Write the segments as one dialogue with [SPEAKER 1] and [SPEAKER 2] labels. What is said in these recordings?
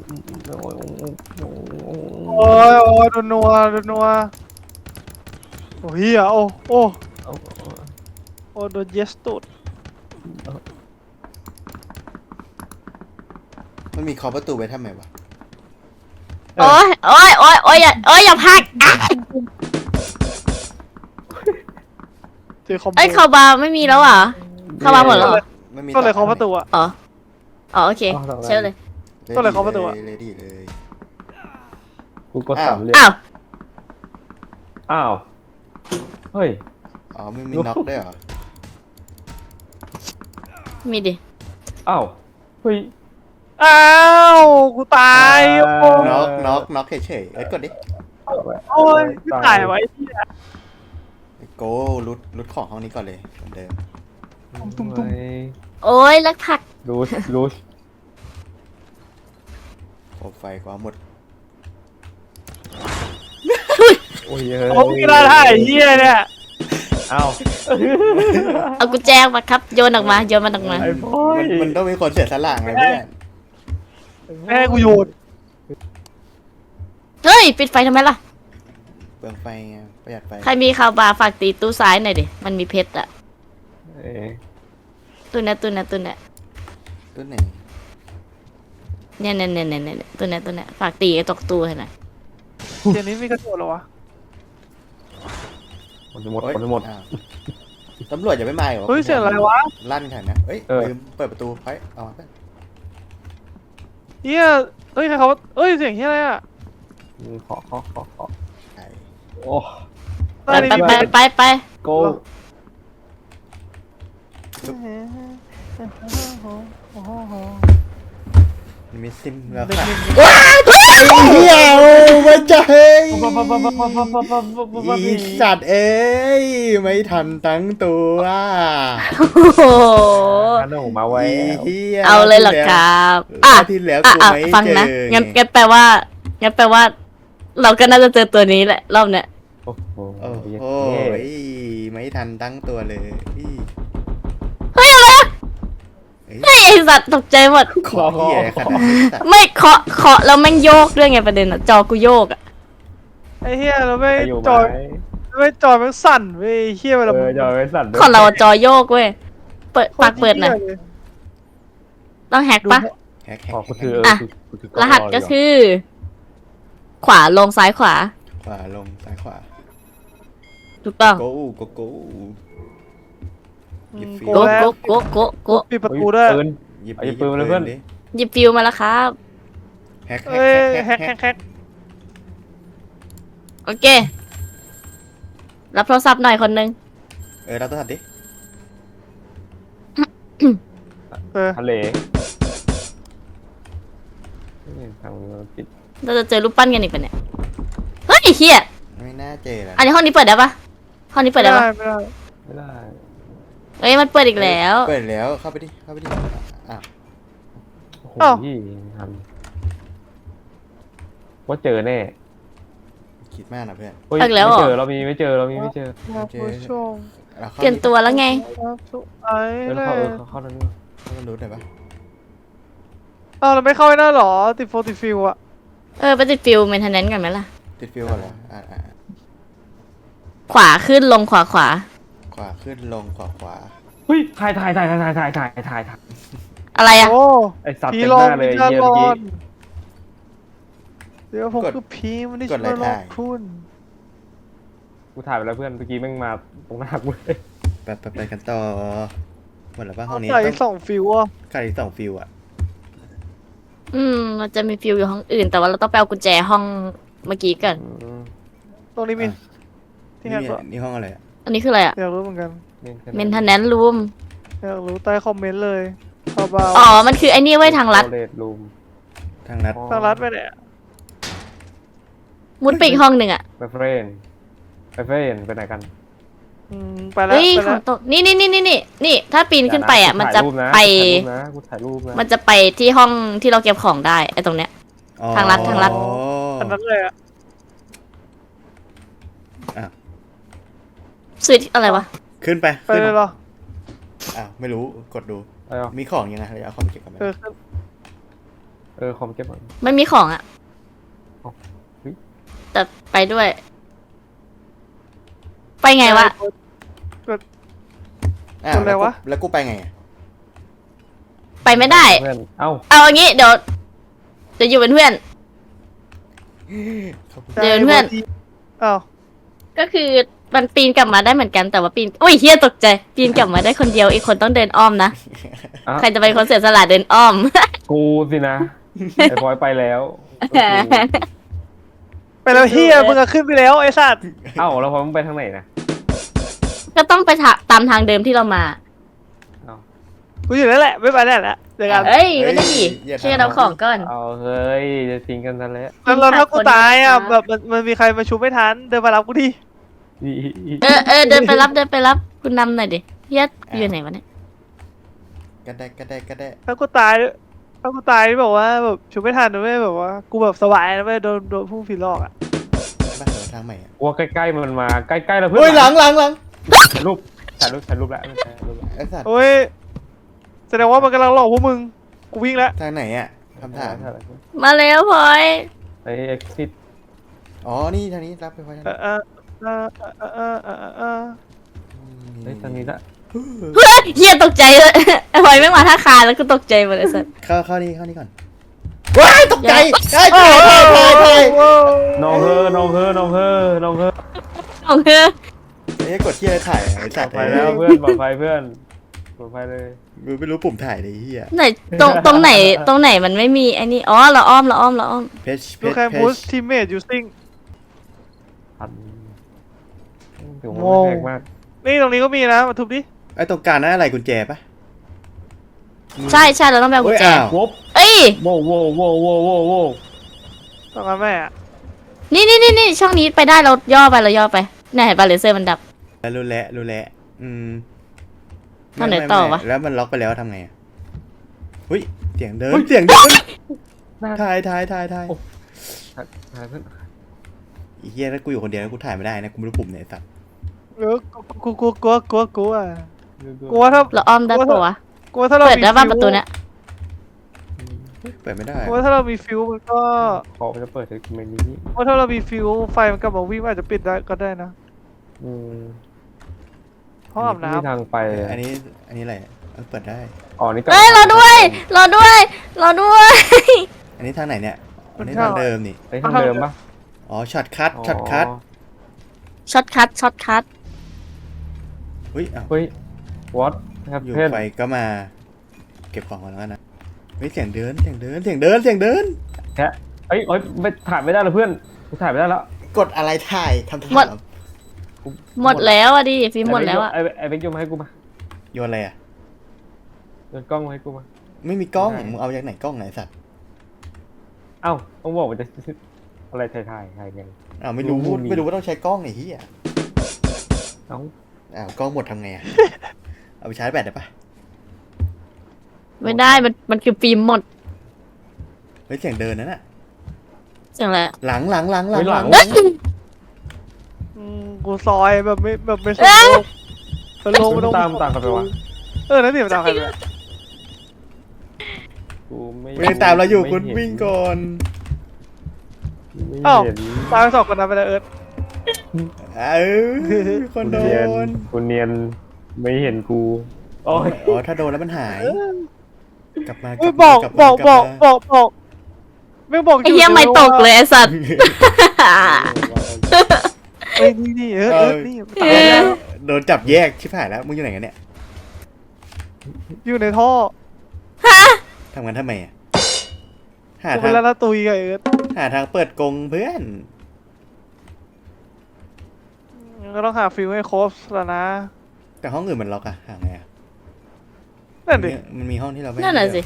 [SPEAKER 1] โอ้ยโอ้ยโดนนัวโดนนัวโอ้ยโอ้โอ้โอ้โดนเยสตูด
[SPEAKER 2] มันมีเคาะประตูไว้ทำไมวะ
[SPEAKER 3] โอ้ยโอ้ยโอ้ยโอ้ยอย่าพักอ่ะ
[SPEAKER 1] เจอคอมโบ
[SPEAKER 3] เอ้ยคาบาร์ไม่มีแล้วอ่ะคาบาร์หมดแล้วเหรอ
[SPEAKER 2] มันมี
[SPEAKER 1] ก็เลยเคาะประตูอะ
[SPEAKER 3] อ๋ออ๋อโอเคเชื่อเลย
[SPEAKER 1] ก็เลยเคาะประตูอะ
[SPEAKER 2] เลยดีเลย
[SPEAKER 4] กูกดสามเหลี่ยม
[SPEAKER 3] อ้าว
[SPEAKER 4] อ้าวเฮ้ย
[SPEAKER 2] อ๋อมันมีน็อกด้วยเหรอ
[SPEAKER 3] มีดิ
[SPEAKER 4] อ้าวเฮ้ย
[SPEAKER 1] อ้าวกูตายโอ้
[SPEAKER 2] น็อกเฉยๆกดดิ
[SPEAKER 1] โอ้ยกูตายไว้ที่
[SPEAKER 2] โกรุดของห้องนี้ก่อนเลยเหมือนเดิม
[SPEAKER 1] ตุ้ม
[SPEAKER 3] โอ้ยแล้วผัก
[SPEAKER 4] รูช
[SPEAKER 2] โอ้ไฟกว่าหมด
[SPEAKER 4] โอ้ย
[SPEAKER 1] โอ้ยได้ท่าไอ้เหี้ยเนี่ย
[SPEAKER 4] อ้าว
[SPEAKER 3] เอากุญแจมาครับโยนออกมาโยนมันออกมา
[SPEAKER 4] ไอ้พ่อย
[SPEAKER 2] มันต้องมีคนเสียสละไงเพื่อน
[SPEAKER 1] แม่กูโยน
[SPEAKER 3] เฮ้ยปิดไฟทำไมล่ะ
[SPEAKER 2] เปลืองไฟไงประหยัดไฟ
[SPEAKER 3] ใครมีคาบาร์ฝากตีตู้ซ้ายหน่อยดิมันมีเพชรอะ
[SPEAKER 4] เอ้ย
[SPEAKER 3] ตู้เนี้ย
[SPEAKER 2] ตัวไหน
[SPEAKER 3] เนี่ยตู้เนี้ยฝากตีไอ้ตกตู้ให้หน่อย
[SPEAKER 1] เดี๋ยวนี้มีกระโดดเหรอวะ
[SPEAKER 4] คนจะหมด
[SPEAKER 2] โอ๊ย
[SPEAKER 4] คนจะหมด
[SPEAKER 2] อ้าวตำรวจอย่าไม่มาเหรอ
[SPEAKER 1] เฮ้ยเสียงอะไรวะ
[SPEAKER 2] ลั่นขนาดนะเอ้ย
[SPEAKER 4] เออ
[SPEAKER 2] ลืมเปิดประตูไปเอามาเพื่อน
[SPEAKER 1] เหี้ยเฮ้ยใครเขาเฮ้ยเสียงเหี้ยอะไรอะ
[SPEAKER 4] ขอ
[SPEAKER 2] ใช่
[SPEAKER 4] โอ้
[SPEAKER 3] ไป
[SPEAKER 4] โก้
[SPEAKER 2] มันมีซิมแล้ว
[SPEAKER 1] เด็ก
[SPEAKER 2] ค่ะ
[SPEAKER 1] หนึ่ง
[SPEAKER 2] เฮียโอ้มาใจ
[SPEAKER 4] อี
[SPEAKER 2] อีสัตว์เอ้ยไม่ทันตั้งตัว
[SPEAKER 3] โอ้โห
[SPEAKER 4] อันนั้นผมมาไว้
[SPEAKER 2] เฮีย
[SPEAKER 3] เอาเลยเหรอครับอ่ะ
[SPEAKER 2] ที่แล้ว
[SPEAKER 3] อ่ะ
[SPEAKER 2] กูไม่
[SPEAKER 3] ฟัง
[SPEAKER 2] เจอ
[SPEAKER 3] นะงั้นแปลว่าเราก็น่าจะเจอตัวนี้แหละรอบเนี้ย
[SPEAKER 4] โอ้โห
[SPEAKER 2] โอ้โหไม่ทันตั้งตัวเลย
[SPEAKER 3] เฮ้ยอะไรอะ
[SPEAKER 2] เฮ้ย
[SPEAKER 3] เฮ้ยไอสัตว์ตกใจหมด
[SPEAKER 2] ขอเฮียขนาดนี้สัตว์
[SPEAKER 3] ไม่เคาะแล้วแม่งโยกด้วยไงประเด็นอะจอกูโยกอะ
[SPEAKER 1] ไอ้เหี้ยเราไม่
[SPEAKER 4] อยู่
[SPEAKER 1] จ
[SPEAKER 4] ไหม
[SPEAKER 1] อยไม่จอยมันสั่นเว้ยเหี้ยเวลา
[SPEAKER 4] เออจะเอาไว้สั่นด้วย
[SPEAKER 3] ของเราจอโยกเว้ยปากเปิดหน่อยต้องแฮกปะ
[SPEAKER 2] แฮก
[SPEAKER 4] ขอกูถือ
[SPEAKER 3] อ่ะ
[SPEAKER 4] กูถือ
[SPEAKER 3] รหัสก็คือ ขวาลงซ้ายขวา
[SPEAKER 2] ขวาลงซ้ายขวา
[SPEAKER 3] ถูกต้อง
[SPEAKER 2] โก้โก้ หยิบฟิว
[SPEAKER 3] โกโก
[SPEAKER 1] ปิดประตูด้วย
[SPEAKER 4] ปืน
[SPEAKER 2] หยิบ
[SPEAKER 4] เอาหยิบปืนมาเลยเพื่อน
[SPEAKER 2] ดิ
[SPEAKER 3] หยิบฟิวมาแล้วครับ
[SPEAKER 2] แฮก
[SPEAKER 1] เอ้ยแฮก
[SPEAKER 3] โอเค รับโทรศัพท์หน่อยคนนึง
[SPEAKER 2] เราต้องทำดิ
[SPEAKER 4] ทะเลทางปิด
[SPEAKER 3] เราจะเจอรูปปั้นกันอีกปะเนี่ยเฮ้ยเฮีย
[SPEAKER 2] ไม่น่าเจอแล้ว
[SPEAKER 3] อันนี้ห้องนี้เปิดได้ปะห้องนี้เปิดได้ปะ
[SPEAKER 1] ไม่ได้
[SPEAKER 4] ไม่ได้
[SPEAKER 3] เอ้ยมันเปิดอีกแล้ว
[SPEAKER 2] เปิดแล้วเข้าไปดิอ้าว
[SPEAKER 4] โอ้โหยี่ทันว่าเจอแน่
[SPEAKER 2] คิดมากนะเพื่อน
[SPEAKER 4] เฮ้ยไม่เจอเรามีไม่เจอ
[SPEAKER 1] มาผู้ชม
[SPEAKER 2] เราเข้า
[SPEAKER 3] เปลี่ยนตัวแล้วไง
[SPEAKER 1] ครับสุดไอ้
[SPEAKER 4] เออ
[SPEAKER 1] เล
[SPEAKER 4] เข้าย เข้านั่นด้วย
[SPEAKER 2] เข้ามารู้หน่อยปะ
[SPEAKER 1] อ้าวเราไม่เข้าไอ้นั่นหรอติดโฟติฟิลอะ
[SPEAKER 3] ไปติดฟิวเมนเทนแนนซ์กันไหมล่ะ
[SPEAKER 2] ติดฟิวก่อนเหรอ
[SPEAKER 3] ขวาขึ้นลงขวา
[SPEAKER 2] ขวาขึ้นลงขวา
[SPEAKER 4] เฮ้ยถ่าย
[SPEAKER 3] อะไรอะ
[SPEAKER 1] โอ้
[SPEAKER 4] ไอสัตว์
[SPEAKER 1] ผี
[SPEAKER 4] เต็ม
[SPEAKER 1] หล
[SPEAKER 4] ห
[SPEAKER 1] อก
[SPEAKER 4] น้าเลย
[SPEAKER 1] วิญญาณ
[SPEAKER 4] เยี่ย
[SPEAKER 1] หล
[SPEAKER 4] เมื่อ
[SPEAKER 1] อ
[SPEAKER 4] กี้
[SPEAKER 1] นเดี๋ยวผมคือผีมันได้ช่วยหลอกคุณ
[SPEAKER 4] กูถ่ายไปแล้วเพื่อนเมื่อกี้แม่งมาตรงหน้ากูเลย
[SPEAKER 2] ไปกันต่อหมดแล้วป่ะห้องนี้
[SPEAKER 1] ใส่
[SPEAKER 2] ต้อง
[SPEAKER 1] สองฟิวอะ
[SPEAKER 2] ขาดอีก2ฟิวอ่ะ
[SPEAKER 3] มันจะมีฟิวอยู่ห้องอื่น แต่ว่าเราต้องไปเอากุญแจห้องเมื่อกี้กัน
[SPEAKER 1] ตรงนี้มีที่แฮก
[SPEAKER 2] นี่ห้องอะไรอ่ะ
[SPEAKER 3] อันนี้คืออะไรอะ
[SPEAKER 1] อยากรู้เหมือนกัน
[SPEAKER 3] เมนเทนแนนซ์รูม
[SPEAKER 1] อยากรู้ใต้คอมเมนต์เลยเบา
[SPEAKER 3] อ๋อ มันคือไอ้นี่ไว้ยทางลัด
[SPEAKER 4] เลดรูม
[SPEAKER 2] ทางนัด
[SPEAKER 1] ๆทางรัดไปเนี่ย
[SPEAKER 3] มุดไปอีกห้องหนึ่งอะ
[SPEAKER 4] ไปเฟรนไปไหนกัน
[SPEAKER 1] ไปแล้ว
[SPEAKER 3] เฮ้ย
[SPEAKER 1] ไป
[SPEAKER 3] ข
[SPEAKER 1] แล้
[SPEAKER 3] อ
[SPEAKER 1] ว
[SPEAKER 3] งตกนี่ถ้าปีนขึ้นไปอะมันจะไป
[SPEAKER 4] กูถ่ายรูปนะ
[SPEAKER 3] มันจะไปที่ห้องที่เราเก็บของได้ไอ้ตรงเนี้ย ทางลัด
[SPEAKER 1] อันนั้นเลยอะ
[SPEAKER 3] สวิตช์อะไรวะ
[SPEAKER 2] ขึ้นไป
[SPEAKER 1] ไปเลยเหรอ
[SPEAKER 2] ไม่รู้กดดู
[SPEAKER 4] อะไรวะ
[SPEAKER 2] มีของยังไงเราเอาของเก็บกันไหม
[SPEAKER 1] ขึ้น
[SPEAKER 4] คอมเก็บก่อน
[SPEAKER 3] ไม่มีของอ่ะ
[SPEAKER 4] อ๋อเฮ้ย
[SPEAKER 3] แต่ไปด้วย ไปไงวะ
[SPEAKER 2] อ้าว
[SPEAKER 1] คนอะไรวะ
[SPEAKER 2] แล้วกูไปไงอะ
[SPEAKER 3] ไปไม่ได้
[SPEAKER 4] เพื่อนเอ้า
[SPEAKER 3] เอาอย่างงี้เดี๋ยวอยู่เป็นเพื่อน เดินเพื่อน
[SPEAKER 1] อ้าว
[SPEAKER 3] ก็คือมันปีนกลับมาได้เหมือนกันแต่ว่าปีนอุ้ยเฮียตกใจ ปีนกลับมาได้คนเดียวอีกคนต้องเดินอ้อมนะ
[SPEAKER 4] อ่ะ
[SPEAKER 3] ใครจะเป็นคนเสียสละเดินอ้อม
[SPEAKER 4] กูสินะไอ้พลอยไปแล้ว
[SPEAKER 1] ไปแล้วเฮียมึงอะขึ้นไปแล้วไอ้สัตว์
[SPEAKER 4] เอ้าแล้วพลอยมึงไปทางไหนนะ
[SPEAKER 3] ก็ต้องไปตามทางเดิมที่เรามา
[SPEAKER 4] เอ้า
[SPEAKER 1] กูอยู่นั่นแหละไม่ไปแล้วแหละเดี๋ยวกัน
[SPEAKER 3] เอ้ยไม่ได้ดิช่วยกันเอาของก่อน
[SPEAKER 4] เอาเฮ้ยจะทิ้งกันซะแล้ว
[SPEAKER 1] แล้วถ้ากูตายอ่ะแบบมันมีใครมาชุบไม่ทันเดินมารับกูดิ
[SPEAKER 3] เดินไปรับคุณนำหน่อยดิเฮียอยู่ไหนวะเนี่ย
[SPEAKER 2] กระแดะ
[SPEAKER 1] ถ้ากูตายแบบว่าแบบชุบไม่ทันนะเว้ยแบบว่ากูแบบสบายนะเว้ยโดนพุ่งผีหลอกอ่ะ
[SPEAKER 2] บ้านทางใหม่อะ
[SPEAKER 4] ว่าใกล้ๆมันมาใกล้ๆแล้วเพื่
[SPEAKER 2] เฮ้ยหลัง
[SPEAKER 4] ถ่ายรูปแล้วไม่ใช่รูปแล้ว
[SPEAKER 2] ไอ้สัตว์
[SPEAKER 1] โอ้ยแสดงว่ามันกำลังหลอกพวกมึงกูวิ่งแล้ว
[SPEAKER 2] ทางไหนอ่ะคำถาม
[SPEAKER 3] มาแล้วพลอย
[SPEAKER 4] ไอ้ exit
[SPEAKER 2] อ๋อนี่ทางนี้รับไปพอทางนี้
[SPEAKER 4] เฮ้ยทางนี้ละ
[SPEAKER 3] เฮ้ยเฮียตกใจเลยพลอยไม่มาท่าคาแล้วก็ตกใจหมดเลยสัส
[SPEAKER 2] เข้านี่ก่อนว้ายตกใจไอ้ถ่าย
[SPEAKER 4] น้องเฮอน้องเฮอน้องเฮอน้องเฮอ
[SPEAKER 3] โอเค
[SPEAKER 2] ไอ้กดที่อะไรถ่ายไอ้สัตว์
[SPEAKER 4] ไปแล้วเพื่อนปลอดภัยเพื่อนปลอดภัยเลย
[SPEAKER 2] กูไม่รู้ปุ่มถ่ายเลยเฮีย
[SPEAKER 3] ไหนตรงไหนมันไม่มีไอ้นี่อ๋อเราอ้อม
[SPEAKER 2] เพช
[SPEAKER 1] ดูแค่บูสทีมเมทยูซิง
[SPEAKER 4] พันถือว่าไม่แพงมาก
[SPEAKER 1] นี่ตรงนี้ก็มีนะมาทุบดิ
[SPEAKER 2] ไอ้ตรงกลางนั่นอะไรกุญแจปะ
[SPEAKER 3] ใช่เราต้องไปเอากุญแจ
[SPEAKER 2] อ้าว
[SPEAKER 4] วบ
[SPEAKER 3] เอ้ย
[SPEAKER 4] โว้โว้โว้โว้โว้โว้
[SPEAKER 1] ตรงนั้นแม่อะ
[SPEAKER 3] นี่ช่องนี้ไปได้เราย่อไปเนี่ยเห็นปะเลเซอร์มันดับ
[SPEAKER 2] แล้วรู้แล้ว
[SPEAKER 3] ทางไหนต่อวะ
[SPEAKER 2] แล้วมันล็อกไปแล้วทำไงอะเฮ้ยเสียงเดินถ่าย
[SPEAKER 4] ถ่ายเพื่อน
[SPEAKER 2] ไอ้เฮียถ้ากูอยู่คนเดียวแล้วกูถ่ายไม่ได้นะกูไม่รู้ปุ่มไหนสัตว์
[SPEAKER 1] กูอ่ะกูว่าถ้า
[SPEAKER 3] เราอ้อมได้ปะวะ
[SPEAKER 1] กูว่าถ้าเรา
[SPEAKER 3] เปิดได้ป่ะประตูเนี้ย
[SPEAKER 2] เปิดไม่ได้
[SPEAKER 1] กูว่าถ้าเรามีฟิวมันก็
[SPEAKER 4] ขอจะเปิดเมนูนี้
[SPEAKER 1] ว่าถ้าเรามีฟิวไฟมันกลับมาวิ่งอาจจะปิดได้ก็ได้นะ
[SPEAKER 4] อืม
[SPEAKER 1] ห้องอาบ
[SPEAKER 4] ไม่มี
[SPEAKER 1] น้ำ
[SPEAKER 4] ทางไป
[SPEAKER 2] อันนี้อะไรเปิดได้
[SPEAKER 4] อ๋อนี่
[SPEAKER 3] เอ้ยเราด้วย
[SPEAKER 2] อันนี้ทางไหนเนี่ยอันนี้ทางเดิมนี่
[SPEAKER 4] ไอ้ทางเดิมปะ
[SPEAKER 2] อ๋อช็อตคัท
[SPEAKER 3] ช็อตคัท
[SPEAKER 2] เฮ้ยอ้าว
[SPEAKER 4] เฮ้ย what ครับ
[SPEAKER 2] อยู่
[SPEAKER 4] เพื่อน
[SPEAKER 2] ไฟก็มาเก็บของก่อนแล้วกันนะเฮ้ยเสียงเดิน
[SPEAKER 4] แค่เอ้ยไม่ถ่ายไม่ได้แล้วเพื่อนกูถ่ายไม่ได้แล้ว
[SPEAKER 2] กดอะไรถ่ายทำถาม
[SPEAKER 3] หมดแล้วอ่ะดิฟิล์มหมดแล้วอ่ะ
[SPEAKER 4] ไอ้เบคโยนมาให้กูมา
[SPEAKER 2] โยนอะไรอ่ะ
[SPEAKER 4] โยนกล้องมาให้กูมา
[SPEAKER 2] ไม่มีกล้อง
[SPEAKER 4] ได้
[SPEAKER 2] มึงเอาจากไหนกล้องไหนสัตว์
[SPEAKER 4] เอ้าต้องบอกมันจะอะไรถ่ายไง
[SPEAKER 2] อ้าวไม่รู้
[SPEAKER 4] รู้มี
[SPEAKER 2] ไม่รู้ว่าต้องใช้กล้องไอ้เหี้ย
[SPEAKER 4] เอ้า
[SPEAKER 2] อ้าวกล้องหมดทำไงอ่ะ เอาไปชาร์จแบตได้ปะ
[SPEAKER 3] ไม่ได้มันคือฟิล์มหมด
[SPEAKER 2] เฮ้ยเสียงเดินนั่นน่ะ
[SPEAKER 3] เสียงอะไร
[SPEAKER 2] หลัง
[SPEAKER 1] กูซอยแบบไม่สโลว์
[SPEAKER 4] มันตามกันไปวะ
[SPEAKER 1] นั่นนี่มันตามใครไป
[SPEAKER 4] กูไม่
[SPEAKER 2] ไม่ได้ตามเราอยู่คุณวิ่งก่อน
[SPEAKER 4] ไม่เห็น
[SPEAKER 1] ตายไป2 คนนะไปแล้วเอิร์ธ
[SPEAKER 2] คนโดน
[SPEAKER 4] กูเนียนไม่เห็นกูโอ้ย
[SPEAKER 2] อ๋อถ้าโดนแล้วมันหาย กลับมา
[SPEAKER 1] ไม่บอกไม่บอก
[SPEAKER 3] ไอ้เหี้ยไม่ตกเลยไอ้สัตว์
[SPEAKER 1] เอ้ยนี่เอิร์ธนี่
[SPEAKER 2] โดนจับแยกชิบหายแล้วมึงอยู่ไหนกันเนี่ย
[SPEAKER 1] อยู่ในท่อ
[SPEAKER 2] ทำงานทำไมอ่ะหา
[SPEAKER 1] กู
[SPEAKER 2] ทา
[SPEAKER 1] เป็น
[SPEAKER 2] ง
[SPEAKER 1] แล้วนะตุยกับเอิร์ธ
[SPEAKER 2] หาทางเปิดกรงเพื่อน
[SPEAKER 1] ก็ต้องหาฟิวให้ครบแล้วนะ
[SPEAKER 2] แต่ห้องอื่นมันล็อกอะหาไงอะ
[SPEAKER 1] นั่นดิ
[SPEAKER 2] มันมีห้องที่เราไม่
[SPEAKER 3] นั่นน่ะสิ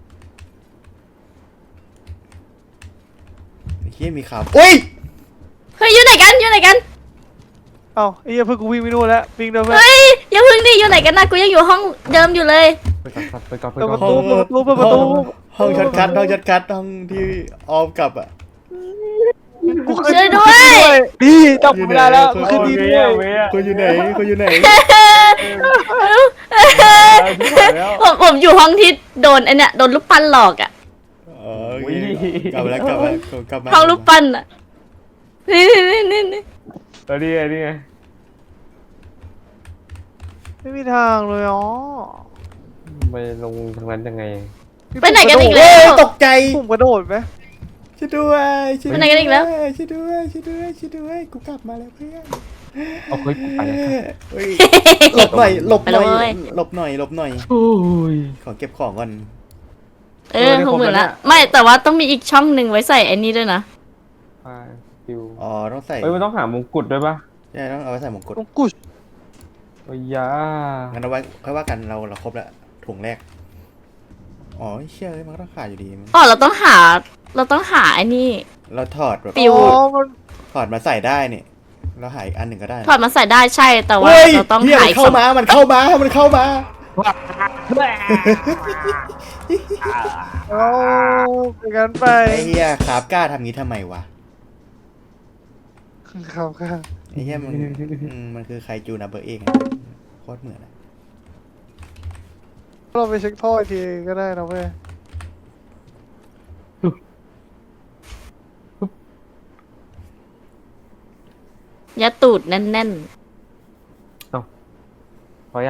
[SPEAKER 2] ไอ้เหี้ยมีข่าวอุ้ย
[SPEAKER 3] เฮ้ยอยู่ไหนกัน
[SPEAKER 1] เอ้าไอ้เหี้ยเพิ่งกูวิ่งไม่รู้แล้ววิ่งเดินเพื่อน
[SPEAKER 3] เฮ้ยอย่าเพิ่งดิอยู่ไหนกันนะกูยังอยู่ห้องเดิมอยู่เลย
[SPEAKER 4] ไปก่อน
[SPEAKER 1] เปิด
[SPEAKER 4] ก่
[SPEAKER 1] ป
[SPEAKER 4] อน
[SPEAKER 1] ระตูเปิดประตู
[SPEAKER 2] ห้องช็อตคัทห้องที่ออมกลับอะ
[SPEAKER 1] กูขึ้น
[SPEAKER 3] ช่วยด้วย
[SPEAKER 1] ดีจับกูไม่ได้แล้วกูขึ้นดีด้วย
[SPEAKER 2] คนอยู่ไหน
[SPEAKER 3] ผมอยู่ห้องที่โดนไอเนี่ยโดนลูกปั้นหลอกอ่ะ
[SPEAKER 2] อ๋อโอเคกลับมาแล้วกลับมากลับมา
[SPEAKER 3] ห้องลูกปั้นอ่ะนี่
[SPEAKER 4] นี่ไง
[SPEAKER 1] ไม่มีทางเลยอ๋อ
[SPEAKER 4] ไปลงทางนั้นยังไง
[SPEAKER 3] ไปไหนกันอีก
[SPEAKER 2] เฮ้
[SPEAKER 3] แล้
[SPEAKER 2] ยว ตกใจ
[SPEAKER 1] ปุ่มกระโดดไหม
[SPEAKER 2] ช่วยด้วยช่วย
[SPEAKER 3] ไปไหนกันอีกแล้ว
[SPEAKER 2] ช่วยด้วยช่วยด้วยช่วยด้วยกูกลับมาแล้วเพื่อน
[SPEAKER 4] เอาเฮ้ยกูไปแล้วครับ
[SPEAKER 2] เฮ้ยหลบหน่อยหลบหน่อย
[SPEAKER 3] ไปเลย
[SPEAKER 2] หลบหน่อยหลบหน่อย
[SPEAKER 4] โอ้ย
[SPEAKER 2] ขอเก็บของก่อน
[SPEAKER 3] 60,000ละไม่แต่ว่าต้องมีอีกช่องหนึ่งไว้ใส่ไอ้นี่ด้วยนะ
[SPEAKER 4] ไปฟิว
[SPEAKER 2] อ๋อต้องใส่
[SPEAKER 4] เฮ้ยมันต้องหามงกุฎด้วยปะ
[SPEAKER 2] ใช่ต้องเอาไว้ใส่มงกุฎ
[SPEAKER 1] ต้องกุช
[SPEAKER 4] โอ้ยยา
[SPEAKER 2] งั้นเอาไว้ค่อยว่ากันเราครบแล้วถุงแรกอ๋อเชื่อมันก็ต้องขาดอยู่ดี
[SPEAKER 3] อ๋อเราต้องหาไอ้นี่
[SPEAKER 2] เราถอดแบบ
[SPEAKER 3] ปิว
[SPEAKER 1] อ๋อมัน
[SPEAKER 2] ถอดมาใส่ได้เนี่ยเราหาอีกอันหนึ่งก็ได้นะ
[SPEAKER 3] ถอดมาใส่ได้ใช่แต่ว่า
[SPEAKER 2] เฮ้ย
[SPEAKER 3] เราต้อง
[SPEAKER 2] เหี้ย
[SPEAKER 3] หา
[SPEAKER 2] มัน
[SPEAKER 3] อีก
[SPEAKER 2] เข้า
[SPEAKER 3] สอง
[SPEAKER 2] มามันเข้ามามันเข้ามา
[SPEAKER 1] เอาไปกันไป
[SPEAKER 2] ไอ้เหี้ยครับกล้าทำงี้ทำไมวะ
[SPEAKER 1] ครับครับ
[SPEAKER 2] ไอ้เหี้ยมันคือใครจูนับเบอร์เองโคตรเหมือนอะ
[SPEAKER 1] เราไปเช็คท่ออีกทีก็ได้นะเว้ย
[SPEAKER 3] ยัดตูดแน่น
[SPEAKER 4] พอยัง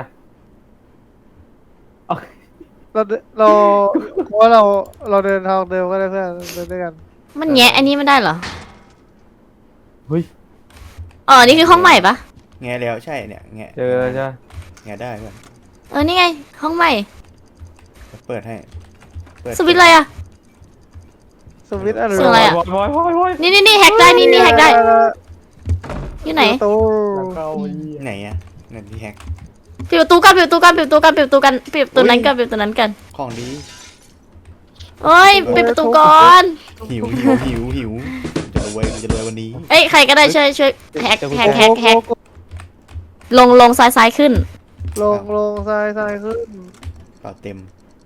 [SPEAKER 1] เราเพราะว่าเราเดินทางเดิมก็ได้เพื่อนเดินด้วยกัน
[SPEAKER 3] ๆมันแงะอันนี้ไม่ได้เหรอ
[SPEAKER 4] เฮ้ย
[SPEAKER 3] อ๋อนี่คือห้องใหม่ปะ
[SPEAKER 2] แงะแล้วใช่เนี่ยแงะ
[SPEAKER 4] เจอแล้วจ้ะ
[SPEAKER 2] แงะได้เพื่อน
[SPEAKER 3] นี่ไง ห้องใหม่
[SPEAKER 2] เปิดให้เปิด
[SPEAKER 3] สวิตช์อะไรอ่ะ
[SPEAKER 1] สวิตช์อะไร
[SPEAKER 3] ส่งอะไรอะ
[SPEAKER 4] โอ้ย
[SPEAKER 3] นี่แฮกได้นี่แฮกได้อยู่ไหน
[SPEAKER 1] ตู้
[SPEAKER 4] แล้วก็เอาอีก
[SPEAKER 2] ไหนอะนั่นที่แฮก
[SPEAKER 3] ปิดประตูกันปิดประตูนั้นกันปิดประตูนั้นกัน
[SPEAKER 2] ของดี
[SPEAKER 3] เอ้ยปิดประตูก่อน
[SPEAKER 2] หิวจะรวยวันนี้
[SPEAKER 3] เอ้ยใครก็ได้ช่วยแฮกลงซ้ายขึ้น
[SPEAKER 1] ลงซ้ายขึ้น
[SPEAKER 2] เปล่าเต็ม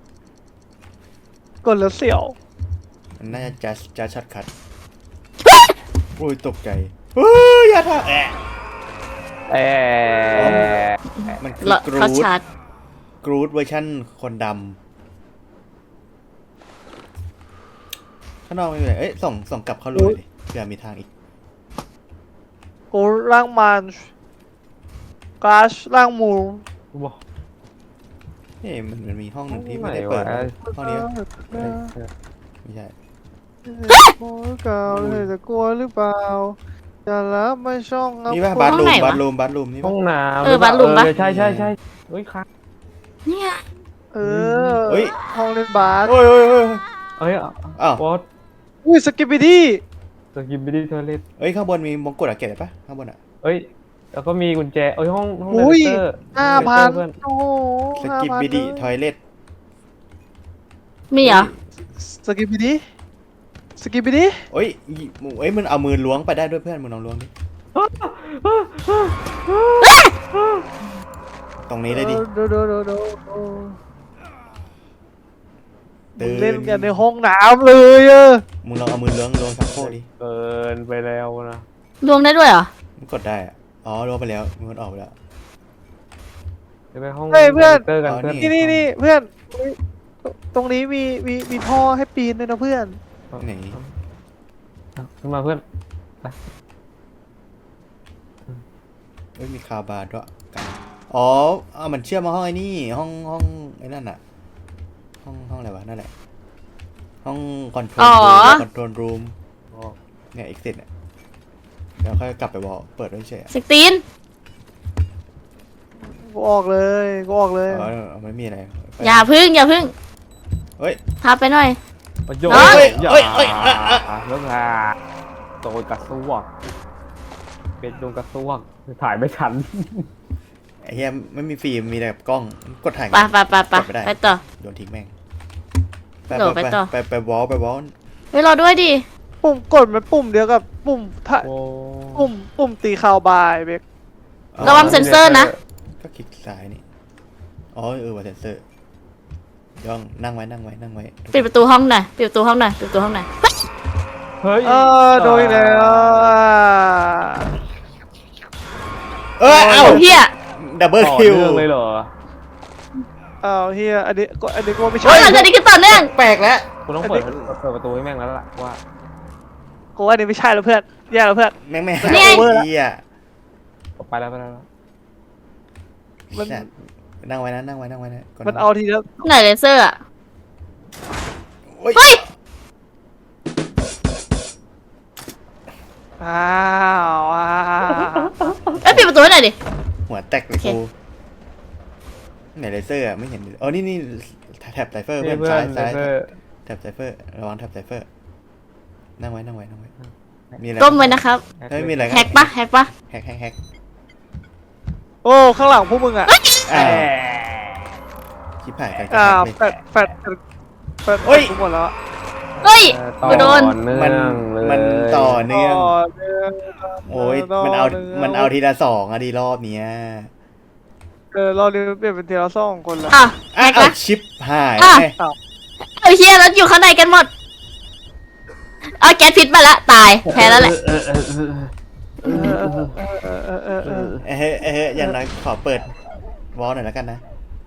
[SPEAKER 1] กดแล้วเสี่ยว
[SPEAKER 2] มันน่าจะช็อตคัทโอ้ยตกใจเฮ้ยอย่าทำแอะ
[SPEAKER 4] เอ๊ะ
[SPEAKER 2] มันคือ
[SPEAKER 3] แล้ว
[SPEAKER 2] กรู
[SPEAKER 3] เขา
[SPEAKER 2] ด
[SPEAKER 3] ชาร์จ
[SPEAKER 2] กรูดเวอร์ชั่นคนดำข้างนอกไม่มีอะไรเอ้ยส่งกลับเข้ารูเลยเผื่อมีทางอีก
[SPEAKER 1] กูร่างมันกราชร่างหมู
[SPEAKER 4] กูบอก
[SPEAKER 2] เฮ้ยมันมีห้องหนึ่งที่
[SPEAKER 4] ไหน
[SPEAKER 2] ไม่ได้เปิด
[SPEAKER 4] วะ
[SPEAKER 2] ห้องนี้ไม่ใช่
[SPEAKER 1] โอ้ยเก่าเลยจะกลัวหรือเปล่าจะรับไม่ช่อง
[SPEAKER 2] นี่ป่ะ
[SPEAKER 3] ห้
[SPEAKER 2] บา
[SPEAKER 3] อง
[SPEAKER 2] ร์รู
[SPEAKER 3] ไหน
[SPEAKER 2] ม
[SPEAKER 3] วะ
[SPEAKER 2] บาร์รูมนี่
[SPEAKER 4] ห้
[SPEAKER 2] ป่ะ
[SPEAKER 4] องน้ำ
[SPEAKER 3] บาร์รูมปะ
[SPEAKER 4] ใช่เฮ้ยครับ
[SPEAKER 3] เนี่ย
[SPEAKER 1] ห้องเล่นบาส
[SPEAKER 2] โอ้ย
[SPEAKER 4] เฮ้ย
[SPEAKER 2] อ้าว
[SPEAKER 4] วอต
[SPEAKER 1] อุ้ยสกิปปี้ดี้
[SPEAKER 4] สกิปไปดิทอเลต
[SPEAKER 2] เอ้ยข้างบนมีมงกุฎอะเก็บได้ปะข้างบนอะ
[SPEAKER 4] เอ้ยแล้วก็มีกุญแจเอ้ยห้องเด
[SPEAKER 1] อุ้ย
[SPEAKER 4] เตอร์
[SPEAKER 1] 5,000
[SPEAKER 4] เพื่อน
[SPEAKER 1] โอ้โห
[SPEAKER 2] สกิปบิดีทอยเล็ต
[SPEAKER 3] มีเหรอ
[SPEAKER 1] สกิปปี้ดี้สกิปปี้ดี้
[SPEAKER 2] เอ้ยมันเอามือล้วงไปได้ด้วยเพื่อนมึงลองล้วงดิตรงนี้เลยดิ
[SPEAKER 1] ดู
[SPEAKER 2] ตื่น
[SPEAKER 1] เล่นกันในห้องน้ำเลยอะ
[SPEAKER 2] มึงลองเอามือล้วงชักโครกดิ
[SPEAKER 4] เกินไปแล้วนะ
[SPEAKER 3] รวมได้ด้วยเหรอ
[SPEAKER 2] มันกดได้อะอ๋อล้วงไปแล้วมันออกไปแล้ว
[SPEAKER 4] จะไปห้อง
[SPEAKER 1] เฮ้ยเพื่อน
[SPEAKER 4] เตอร์กัน
[SPEAKER 2] อ๋อ
[SPEAKER 4] เพื่อน
[SPEAKER 1] นี่เพื่อนตรงนี้มีท่อให้ปีนด้วยนะเพื่อน
[SPEAKER 2] ไหน
[SPEAKER 4] ขึ้นมาเพื่อน
[SPEAKER 2] เอ้ยมีคาบาร์ด้วยกันอ๋อมันเชื่อมมาห้องไอ้นี่ห้องไอ้นั่นอะห้องอะไรวะนั่นแหละห้องคอนโทรลรูมเนี่ยเอ็กซิสเนี่ยเดี๋ยวค่อยกลับไปบอกเปิดไว้เฉย
[SPEAKER 3] สตีน
[SPEAKER 1] กูออกเลย
[SPEAKER 2] อ๋อไม่มีอะไร
[SPEAKER 3] อย่าพึ่ง
[SPEAKER 2] เฮ้ย
[SPEAKER 3] พาไปหน่อย
[SPEAKER 4] ประโยช
[SPEAKER 3] เอ้
[SPEAKER 4] น์
[SPEAKER 3] ย
[SPEAKER 4] อย่าแล้วค่ะโดนกระซวกเป็นโดนกระซวกถ่ายไม่ทัน
[SPEAKER 2] ไอ้เหี้ยไม่มีฟิล์มมีแต่กล้องกดถ่าย
[SPEAKER 3] ไปไปต่อ
[SPEAKER 2] โยนทิ้งแม่ง
[SPEAKER 3] โดดไปต่อ
[SPEAKER 2] ไปวอล
[SPEAKER 3] เฮ้ยรอด้วยดิ
[SPEAKER 1] ปุ่มกดมันปุ่มเดียวกับปุ่มถ้า
[SPEAKER 4] โอ้
[SPEAKER 1] ปุ่มตีข่าวบายเบก
[SPEAKER 3] ระวังเซ็นเซอร์นะ
[SPEAKER 2] ก็คลิกซ้ายนี่อ๋อว่าเซนเซอร์ย่องนั่งไว้
[SPEAKER 3] ปิดประตูห้องหน่อยปิดประตูห้องหน่อย
[SPEAKER 4] เฮ้ย
[SPEAKER 1] โดยแล้ว
[SPEAKER 2] เอ้า
[SPEAKER 3] เฮีย
[SPEAKER 2] ดับเบิล
[SPEAKER 4] ต่อ
[SPEAKER 2] คิว
[SPEAKER 4] เนื่องเลยเหรอ
[SPEAKER 1] อ้าวเฮียอันนี้ก็ไม่ใช่
[SPEAKER 3] โอ้ยหลังจากนี้คือต่อเนื่อง
[SPEAKER 2] แปลกแล้ว
[SPEAKER 4] กูต้องเปิดประตูให้แม่งแล้วล่ะว่า
[SPEAKER 1] กูว่านี่ไม่ใช่แล้วเพื่อนแย่แล้วเพื่อน
[SPEAKER 2] แม่งไม่
[SPEAKER 1] นี่ไง
[SPEAKER 2] โอเวอร์ละ
[SPEAKER 4] ไปแล้ว
[SPEAKER 1] มัน
[SPEAKER 2] นั่งไว้นะก่
[SPEAKER 1] มันเอาทีเดียว
[SPEAKER 3] ไหนเลเซอร์อ่ะ
[SPEAKER 2] โอ้ย
[SPEAKER 3] เฮ้ย
[SPEAKER 1] อ้าวอ้าว
[SPEAKER 3] เอ้ยปิดประตูให้หน่อยดิ
[SPEAKER 2] หัวแตกเลย
[SPEAKER 3] โอเค
[SPEAKER 2] กูไหนเลเซอร์อะไม่เห็นอ๋อนี่แท็บไซเฟอร์
[SPEAKER 4] เพื่
[SPEAKER 2] เพื่
[SPEAKER 4] อ
[SPEAKER 2] อน นซ้าย
[SPEAKER 4] เพื่อน
[SPEAKER 2] แท็บไซเฟอร์ระวังแท็บไซเฟอร์นั่งไว้มีอะไร
[SPEAKER 3] ก้มไว้นะครับ
[SPEAKER 2] เฮ้ยมีอะไร
[SPEAKER 3] แฮกปะ
[SPEAKER 2] แฮก
[SPEAKER 1] โอ้ข้างหลังพวกมึงอ่ะ
[SPEAKER 2] อ่าชิบหายกัน
[SPEAKER 1] อ่า
[SPEAKER 2] เลย
[SPEAKER 1] แฟด
[SPEAKER 2] เฮ้ย
[SPEAKER 1] ทุกหมดแล้ว
[SPEAKER 3] เฮ้ย
[SPEAKER 4] ต่อ
[SPEAKER 3] กูโดน
[SPEAKER 4] เนื่
[SPEAKER 2] มัน
[SPEAKER 4] องเลย
[SPEAKER 2] มันต่อเนื่อง
[SPEAKER 1] เนื่อง
[SPEAKER 2] โอ้ยมันเอาทีละสองอะดีรอบเนี้ย
[SPEAKER 1] เราเรียนเปลี่ยนเป็นทีละ2 คนแล้ว
[SPEAKER 3] อ่ะแฮก
[SPEAKER 2] เอา
[SPEAKER 3] นะ
[SPEAKER 2] ชิปหาย
[SPEAKER 3] อ่ะ
[SPEAKER 2] ไง
[SPEAKER 3] เอาเฮียแล้วอยู่ข้างในกันหมด เอาแก๊สพิษมาละตายแพ้แล้วแหละ
[SPEAKER 2] อย่างน้อยขอเปิดวอลหน่อยแล้วกันนะ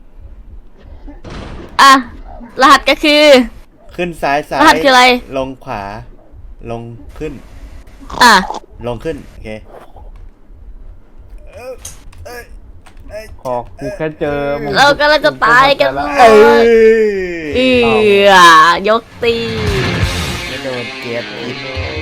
[SPEAKER 3] อ่ะรหัสก็คือ
[SPEAKER 2] ขึ้นซ้าย
[SPEAKER 3] รหัสคืออะไร
[SPEAKER 2] ลงขวา ลงขึ้น
[SPEAKER 3] อ่ะ
[SPEAKER 2] ลงขึ้น โอเค
[SPEAKER 4] ขอกูแค่เจอมึง
[SPEAKER 3] เรากำลังจะตายกันหม
[SPEAKER 2] เอ้
[SPEAKER 3] ด
[SPEAKER 2] ย
[SPEAKER 3] เอือยกตี
[SPEAKER 4] ไม่โดนเกียร์